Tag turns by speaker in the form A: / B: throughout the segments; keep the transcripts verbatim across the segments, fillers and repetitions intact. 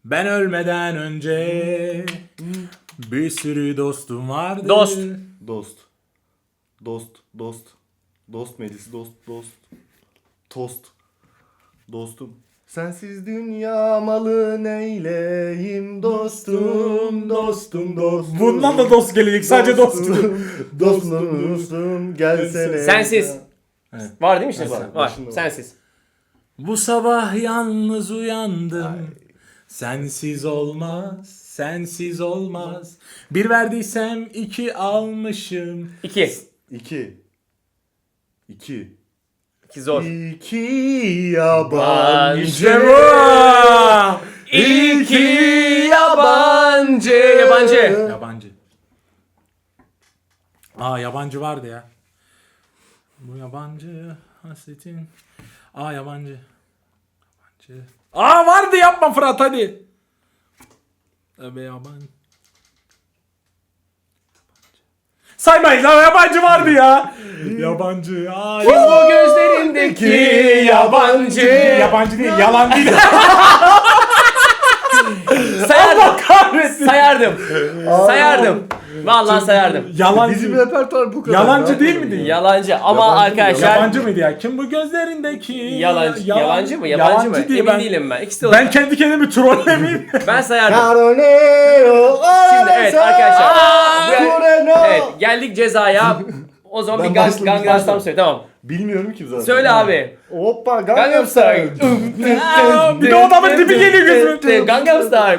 A: Ben ölmeden önce bir sürü dostum vardı.
B: Dost.
C: Dost. Dost. Dost. Dost meclisi. Dost. Dost. Tost. Dostum. Sensiz dünya malı neyleyim dostum, dostum, dostum.
A: Bundan da dost gelecek, sadece dostum.
C: Dostum, dostum, gelsene.
B: Sensiz.
A: Evet.
B: Var değil mi işte?
C: Var,
B: Var.
C: başında var.
B: Sensiz.
A: Bu sabah yalnız uyandım. Sensiz olmaz, sensiz olmaz. Bir verdiysem iki almışım.
B: İki.
C: İki. İki.
B: İki zor.
C: İki yabancı.
B: İşte bu. İki yabancı. Yabancı.
A: Yabancı. Aa yabancı vardı ya. Bu yabancı hasretin. Aa yabancı. Yabancı. Aa vardı, yapma Fırat hadi. Öbe yabancı. Saymayız ama yabancı vardı ya. Yabancı. Aa,
B: Kim bu gözlerindeki yabancı?
A: Yabancı değil, yalan değil.
B: Sayardım.
A: Kahretsin.
B: Sayardım. Sayardım. Vallahi sayardım.
A: Yalancı.
C: Bizim repertuar bu kadar.
A: Yalancı
C: Ne
A: değil
C: yapalım?
A: miydi?
B: Yalancı ama
C: Yabancı,
B: arkadaşlar
A: Yabancı mıydı ya? Kim bu gözlerindeki?
B: yalancı.
A: Yalan-
B: Yalancı mı? Yabancı, mı?
A: diye
B: Emin
A: ben,
B: değilim ben. İkisi de
A: Ben
B: olabilir.
A: kendi kendimi trollemeyeyim.
B: Ben sayardım.
C: Caronero,
B: Şimdi evet arkadaşlar. Bu-
C: Moreno.
B: Evet geldik cezaya. O zaman
C: Ben
B: bir gang,
C: başladım,
B: Gangnam Style
C: başladım.
B: söyle tamam.
C: Bilmiyorum ki zaten.
B: Söyle abi.
C: Hoppa
B: Gangnam
C: Gangnam
B: Style.
C: Style.
A: Bir de o adamın dibi geliyor gözüme.
B: Gangnam Style.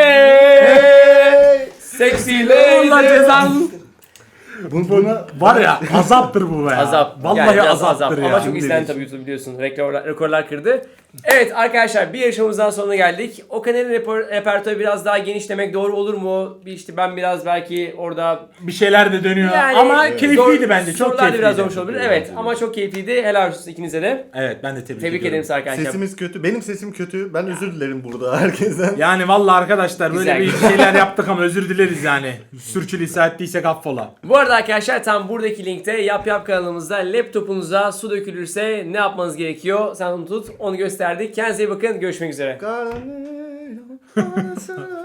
B: Hey. Sexy
A: Allah
B: lady.
A: cezanı.
C: Bu, buna
A: Var ya azaptır bu be ya.
B: Azap.
A: Vallahi
B: Yani biraz
A: azaptır
B: azap.
A: ya.
B: Ama çok izlendi tabii YouTube biliyorsun. Rekorlar, rekorlar kırdı. Evet arkadaşlar bir yarışmamızdan sonuna geldik. O kanalın reper- repertuarı biraz daha geniş demek doğru olur mu? Bir işte ben biraz belki orada
A: Bir şeyler de dönüyor
B: yani
A: ama
C: evet.
A: keyifliydi
B: zor-
A: bence. Çok
B: sorular da
A: keyifliydi.
B: biraz zormuş olabilir. Evet
C: Evet.
B: ama çok keyifliydi. Helal olsun ikinize de.
A: Evet ben de tebrik,
B: Tebrik ederim
A: ediyorum.
B: size arkadaşlar.
C: sesimiz kötü. Benim sesim kötü. Ben özür dilerim burada herkesten.
A: Yani vallahi arkadaşlar böyle
B: Güzel,
A: bir
B: güzel.
A: şeyler yaptık ama özür dileriz yani. Sürçülisan ettiysek affola.
B: Bu arada arkadaşlar tam buradaki linkte Yap Yap kanalımızda laptopunuza su dökülürse ne yapmanız gerekiyor? Sen onu tut. Onu gösterdik. Kendinize iyi bakın. Görüşmek üzere.
C: Caronero,